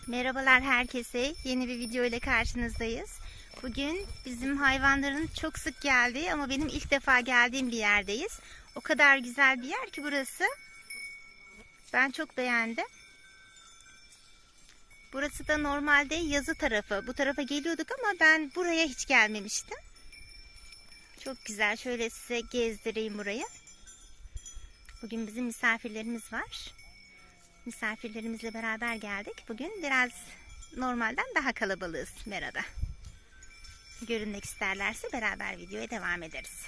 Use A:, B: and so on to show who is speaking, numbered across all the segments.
A: Merhabalar herkese. Yeni bir video ile karşınızdayız. Bugün bizim hayvanların çok sık geldiği ama benim ilk defa geldiğim bir yerdeyiz. O kadar güzel bir yer ki burası. Ben çok beğendim. Burası da normalde yazı tarafı. Bu tarafa geliyorduk ama ben buraya hiç gelmemiştim. Çok güzel. Şöyle size gezdireyim burayı. Bugün bizim misafirlerimiz var. Misafirlerimizle beraber geldik. Bugün biraz normalden daha kalabalığız Mera'da. Görünmek isterlerse beraber videoya devam ederiz.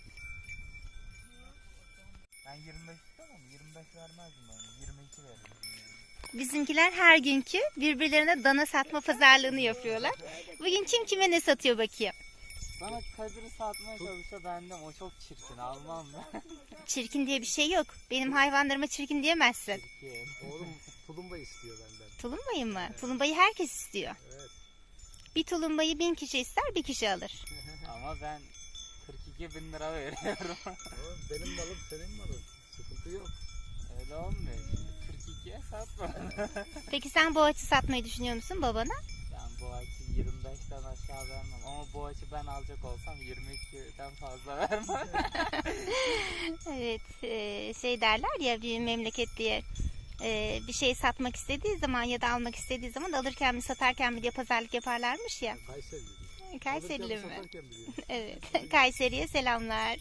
B: Ben 25 istemem, 25 vermezdim ben, 22 veririm.
A: Bizimkiler her günkü birbirlerine dana satma pazarlığını yapıyorlar. Bugün kim kime ne satıyor bakayım.
B: Bana Kadir'i satmaya çalışsa benden, o çok çirkin, almam ben.
A: Çirkin diye bir şey yok. Benim hayvanlarıma çirkin diyemezsin.
B: Çirkin.
C: Oğlum tulumba istiyor benden.
A: Tulumbayı mı? Tulumbayı herkes istiyor.
C: Evet.
A: Bir tulumbayı 1000 kişi ister, bir kişi alır.
B: Ama ben 42 bin lira veriyorum.
C: Oğlum benim malım senin malın. Sıkıntı yok.
B: Öyle olmuyor işte, 42'ye satma.
A: Peki sen boğaçı satmayı düşünüyor musun babana?
B: Ben bu açı 25'ten aşağı vermem. Ama bu açı ben alacak olsam 22'den fazla vermem.
A: Evet, şey derler ya, bir memleket diye bir şey satmak istediği zaman ya da almak istediği zaman alırken mi satarken mi diye pazarlık yaparlarmış ya.
C: Kayseri diyor.
A: Kayserili mi?
C: Satarken biliyor.
A: Evet, Kayseri'ye selamlar.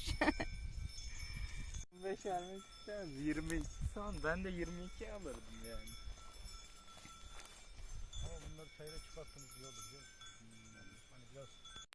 B: 25 vermek istemez. 22 son. Ben de 22 alırdım yani.
C: Ama bunları çayına çıkarttınız iyi olur biliyor musun? Hani biraz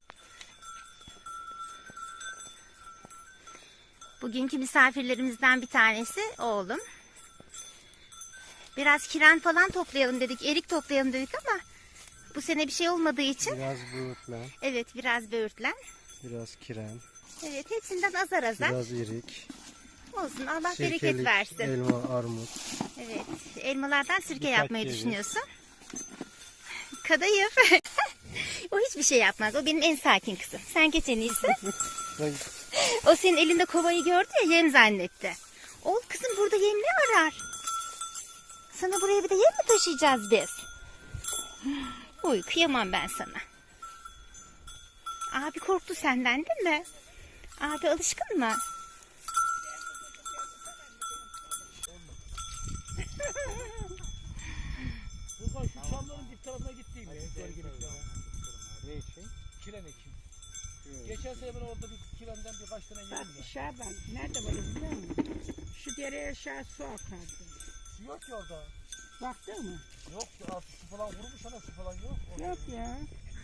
A: Bugünkü misafirlerimizden bir tanesi oğlum. Biraz kiren falan toplayalım dedik, erik toplayalım dedik ama bu sene bir şey olmadığı için.
C: biraz böğürtlen,
A: Evet, biraz böğürtlen.
C: biraz kiren,
A: Evet, hepsinden azar azar.
C: biraz irik,
A: Olsun, Allah bereket
C: sirkelik,
A: versin.
C: elma, armut.
A: Evet, elmalardan sirke
C: Birkaç
A: yapmayı
C: ceviz.
A: düşünüyorsun. Kadayıf. O hiçbir şey yapmaz. O benim en sakin kızım. Sen geç en iyisi. O senin elinde kovayı gördü ya, yem zannetti. Oğlum kızım, burada yem ne arar? Sana buraya bir de yem mi taşıyacağız biz? Uy, kıyamam ben sana. Abi korktu senden değil mi? Abi alışkın mı?
C: Buradan şu çamların dip tarafına gittiğim ya. Ne için? Kiren ekim. Geçen sene ben orada bir kirenden birkaç tane yedim ya.
D: Şaban, nerede var biliyor musun? Şu dereye aşağı su akardı.
C: Su yok ki orada.
D: Baktın mı?
C: Yok ki altı su falan vurmuş ana su falan yok. Orada
D: Yok ya.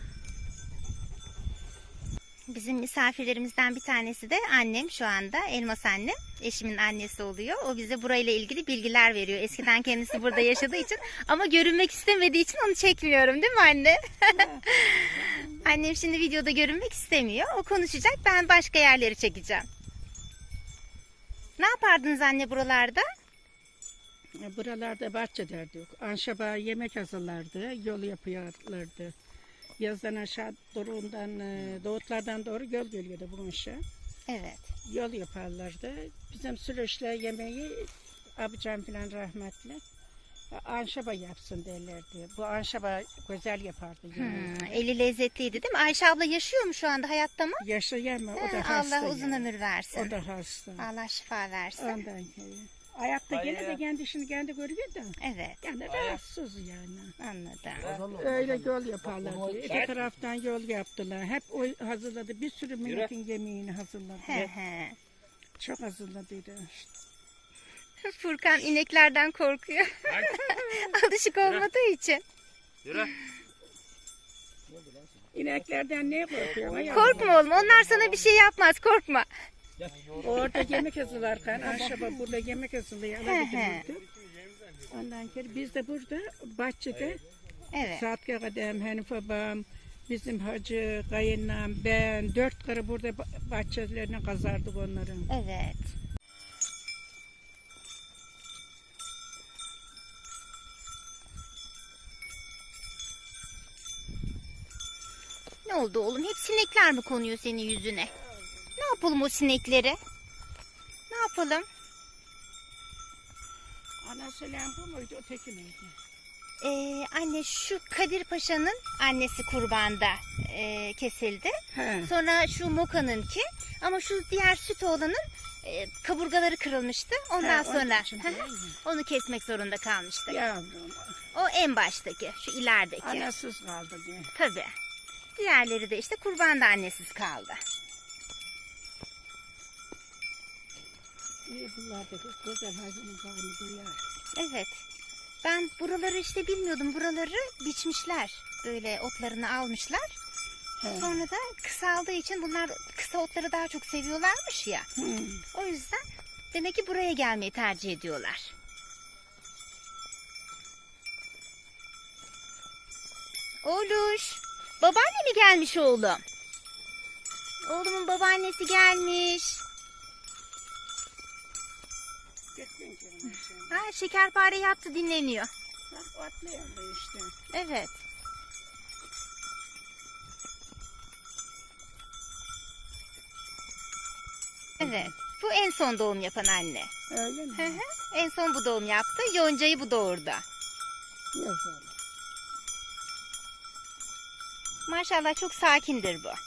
A: Bizim misafirlerimizden bir tanesi de annem şu anda. Elmas annem. Eşimin annesi oluyor. O bize burayla ilgili bilgiler veriyor. Eskiden kendisi burada yaşadığı için ama görünmek istemediği için onu çekmiyorum, değil mi anne? Annem şimdi videoda görünmek istemiyor. O konuşacak. Ben başka yerleri çekeceğim. Ne yapardınız anne buralarda?
D: Buralarda bahçe derdik. Anşaba yemek hazırlardı, yol yapıyorlardı. Yazdan aşağı doğrudan, doğutlardan doğru göl geliyordu bu aşağı.
A: Evet.
D: Yol yaparlardı. Bizim süreçle yemeği abicam falan rahmetli anşaba yapsın derlerdi. Bu anşaba güzel yapardı yemeği.
A: Eli lezzetliydi değil mi? Ayşe abla yaşıyor mu şu anda, hayatta mı?
D: Yaşayan mı? O da
A: Ha,
D: hasta.
A: Allah uzun
D: ya.
A: ömür versin.
D: O da hasta.
A: Allah şifa versin.
D: Ondan ayakta
B: Hayır.
D: gene de kendi işini kendi görüyor da.
A: Evet,
D: Yani rahatsız yani.
A: anladım.
D: Öyle yol yaparlardı. İki taraftan yol yaptılar. Hep o hazırladı. Bir sürü milletin yemeğini hazırladı.
A: He he.
D: Çok hazırladıydı.
A: Furkan ineklerden korkuyor. Alışık olmadığı için.
B: Yürü.
D: İneklerden ne korkuyor?
A: Korkma oğlum, onlar sana bir şey yapmaz, korkma.
D: Orada yemek hazırlarken aşağıda burada yemek hazırlıyor.
A: He he.
D: Ondan sonra biz de burada bahçede
A: Evet.
D: Saat Kadem, Hanif babam, bizim hacı, kayınlam, ben 4 karı burada bahçelerini kazardık onların.
A: Evet. Ne oldu oğlum? Hep sinekler mi konuyor senin yüzüne? Ne yapalım o sinekleri? Ne yapalım?
D: Ana söyleyen bu muydu, öteki miydi?
A: Anne şu Kadir Paşa'nın annesi kurbanda kesildi.
D: He.
A: Sonra şu Moka'nınki ama şu diğer süt oğlanın kaburgaları kırılmıştı. Ondan
D: He, onun
A: sonra
D: için değil mi?
A: onu kesmek zorunda kalmıştık.
D: Yavrum.
A: O en baştaki, şu ilerideki.
D: Anasız kaldı diye.
A: Tabii. Diğerleri de işte kurbanda annesiz kaldı.
D: İyi bunlar da kız güzel hayvanın bağını duyar.
A: Evet. Ben buraları işte bilmiyordum. Buraları biçmişler. Böyle otlarını almışlar.
D: He.
A: Sonra da kısaldığı için bunlar kısa otları daha çok seviyorlarmış ya.
D: Hı.
A: O yüzden demek ki buraya gelmeyi tercih ediyorlar. Oğluş. Babaanne mi gelmiş oğlum? Oğlumun babaannesi gelmiş.
D: Gittin canım sen.
A: Ha, şekerpare yaptı, dinleniyor.
D: Bak atlayalım işte.
A: Evet. Evet. Bu en son doğum yapan anne.
D: Öyle
A: Hı
D: mi?
A: hı. En son bu doğum yaptı. Yoncayı bu doğurdu.
D: Yok oğlum.
A: Maşallah çok sakindir bu.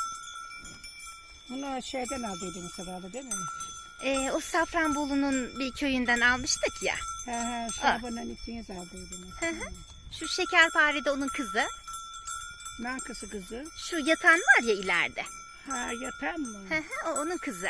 D: Bunu şeyden aldıydın sabahı değil mi?
A: O Safranbolu'nun bir köyünden almıştık ya.
D: He he Şaban'ın ikiniz aldıydınız.
A: Hı hı. Şu şekerpare de onun kızı.
D: Nankısı kızı.
A: Şu yatan var ya ileride.
D: Ha yatan mı?
A: Hı hı, o onun kızı.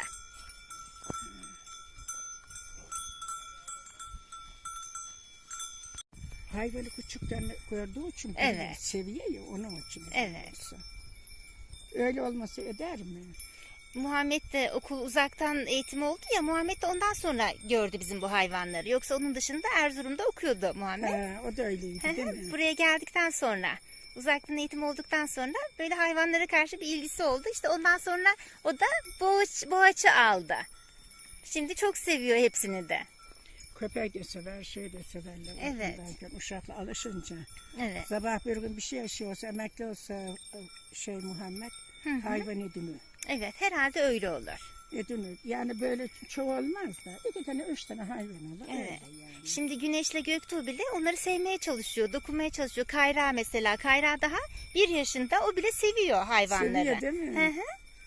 D: Hayvanı küçükten gördüğü için
A: Evet.
D: seviyor ya onun için.
A: Evet.
D: olsa. Öyle olması eder mi?
A: Muhammed de okul uzaktan eğitim oldu ya. Muhammed de ondan sonra gördü bizim bu hayvanları. Yoksa onun dışında Erzurum'da okuyordu Muhammed.
D: He, o da öyleydi
A: Hı
D: değil
A: hı.
D: mi?
A: Buraya geldikten sonra, uzaktan eğitim olduktan sonra böyle hayvanlara karşı bir ilgisi oldu. İşte ondan sonra o da boğaçı aldı. Şimdi çok seviyor hepsini de.
D: Köpek de sever, şey de severler.
A: Evet.
D: Okuldan uşakla alışınca.
A: Evet.
D: Sabah bir gün bir şey yaşıyorsa, emekli olsa şey Muhammed,
A: Hı hı.
D: hayvan edinir.
A: Evet, herhalde öyle olur.
D: Edinir. Yani böyle çoğu olmaz da. 2 tane, 3 tane hayvan olur.
A: Evet.
D: Öyle yani.
A: Şimdi Güneş'le Göktuğ bile onları sevmeye çalışıyor, dokunmaya çalışıyor. Kayra mesela, Kayra daha 1 yaşında, o bile seviyor hayvanları.
D: Seviyor değil mi?
A: Hı hı.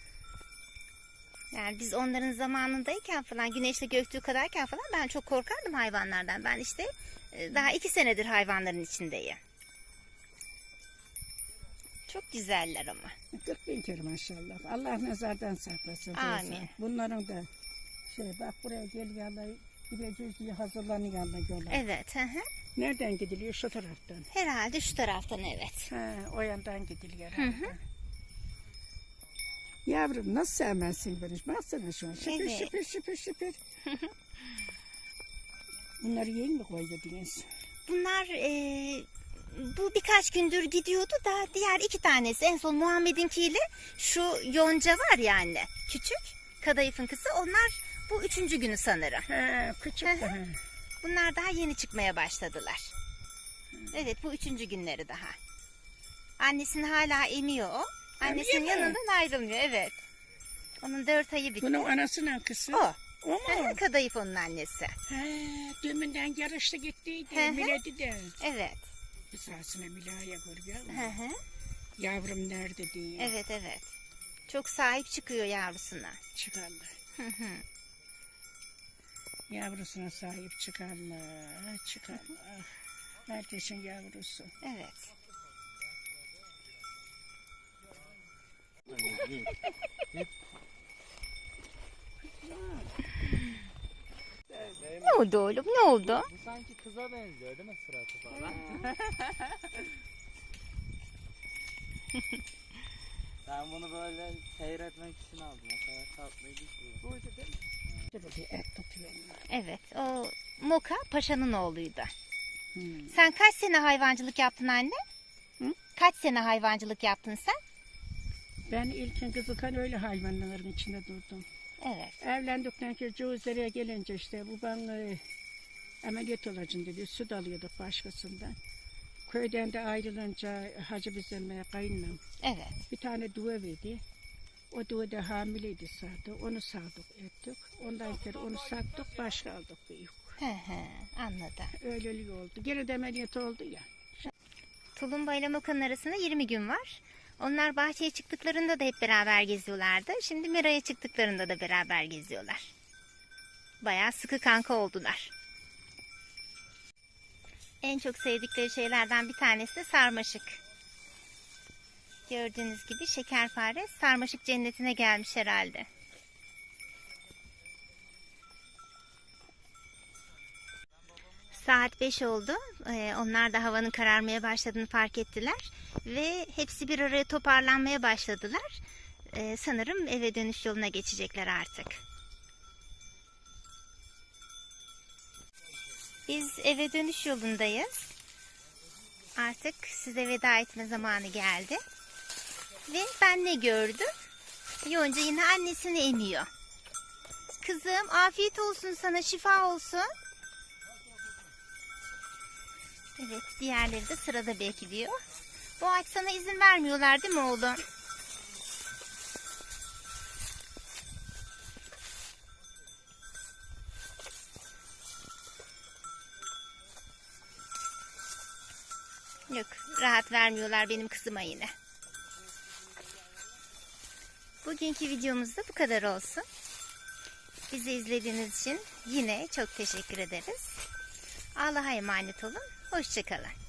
A: Yani biz onların zamanındayken falan, Güneş'le Göktuğ kadarken falan ben çok korkardım hayvanlardan. Ben işte daha 2 senedir hayvanların içindeyim. Çok güzeller ama.
D: 40 bin kere maşallah. Allah nazardan saklasın.
A: Amin.
D: Teyze. Bunların da bak buraya geliyorlar. Gideceğiz diye hazırlanıyorlar.
A: Evet. Hı hı.
D: Nereden gidiliyor? Şu taraftan.
A: Herhalde şu taraftan, evet.
D: Ha, o yandan gidiliyor.
A: Hı hı.
D: herhalde. Yavrum nasıl sevmezsin beni? Baksana şu an. Şıpır
A: Evet.
D: şıpır şıpır şıpır. Bunları yiyin mi koyuyordunuz?
A: Bunlar bu birkaç gündür gidiyordu da diğer 2 tanesi, en son Muhammed'inkiyle şu Yonca var ya anne, küçük kadayıfın kızı, onlar bu 3. günü sanırım.
D: Ha, küçük
A: Hı hı.
D: daha.
A: Bunlar daha yeni çıkmaya başladılar. Evet, bu 3. günleri daha. Annesini hala emiyor o. Annesinin
D: Emiyor mu?
A: yanından ayrılmıyor, evet. Onun 4 ayı bitti.
D: Bunun anasının kızı.
A: O.
D: O mu?
A: Kadayıf onun annesi.
D: Ha, deminden yarıştı gittiydi.
A: Hı hı.
D: Miledi de.
A: Evet.
D: Esasına Mila'ya görüyor
A: Hı
D: musun?
A: hı.
D: Yavrum nerede diye.
A: Evet, evet. Çok sahip çıkıyor yavrusuna.
D: Çıkarlar.
A: Hı hı.
D: Yavrusuna sahip çıkarlar. Çıkarlar. Herkesin yavrusu.
A: Evet. Ne oldu oğlum? Ne oldu?
B: Bu sanki kıza benziyor değil mi suratı falan? Ben bunu böyle seyretmek için aldım. O kadar tatlıydı ki.
D: Buydu değil mi? Dur bir et tutuyor.
A: Evet, o Moka Paşa'nın oğluydu.
D: Hmm.
A: Sen kaç sene hayvancılık yaptın anne?
D: Hı?
A: Kaç sene hayvancılık yaptın sen?
D: Ben ilkin kızıkan öyle hayvanların içinde durdum.
A: Evet.
D: Evlendikten sonra Cevizlere gelince işte babam ameliyat olacaksın dedi. Süt alıyorduk başkasından. Köyden de ayrılınca Hacı bizim kayınlam
A: Evet.
D: bir tane duva verdi. O duva da hamileydi zaten. Onu sağdık ettik. Ondan sonra onu sattık, başka aldık büyük.
A: Anladım.
D: Öyleli oldu. Geri de ameliyat oldu ya.
A: Tulumba ile Moka'nın arasında 20 gün var. Onlar bahçeye çıktıklarında da hep beraber geziyorlardı. Şimdi Mera'ya çıktıklarında da beraber geziyorlar. Bayağı sıkı kanka oldular. En çok sevdikleri şeylerden bir tanesi de sarmaşık. Gördüğünüz gibi şekerpare sarmaşık cennetine gelmiş herhalde. Saat 5 oldu. Onlar da havanın kararmaya başladığını fark ettiler. Ve hepsi bir araya toparlanmaya başladılar. Sanırım eve dönüş yoluna geçecekler artık. Biz eve dönüş yolundayız. Artık size veda etme zamanı geldi. Ve ben ne gördüm? Yonca yine annesini emiyor. Kızım afiyet olsun sana, şifa olsun. Evet, diğerleri de sırada bekliyor. Bu ağaç sana izin vermiyorlar değil mi oğlum? Yok, rahat vermiyorlar benim kızıma yine. Bugünkü videomuz da bu kadar olsun. Bizi izlediğiniz için yine çok teşekkür ederiz. Allah'a emanet olun. Hoşça kalın.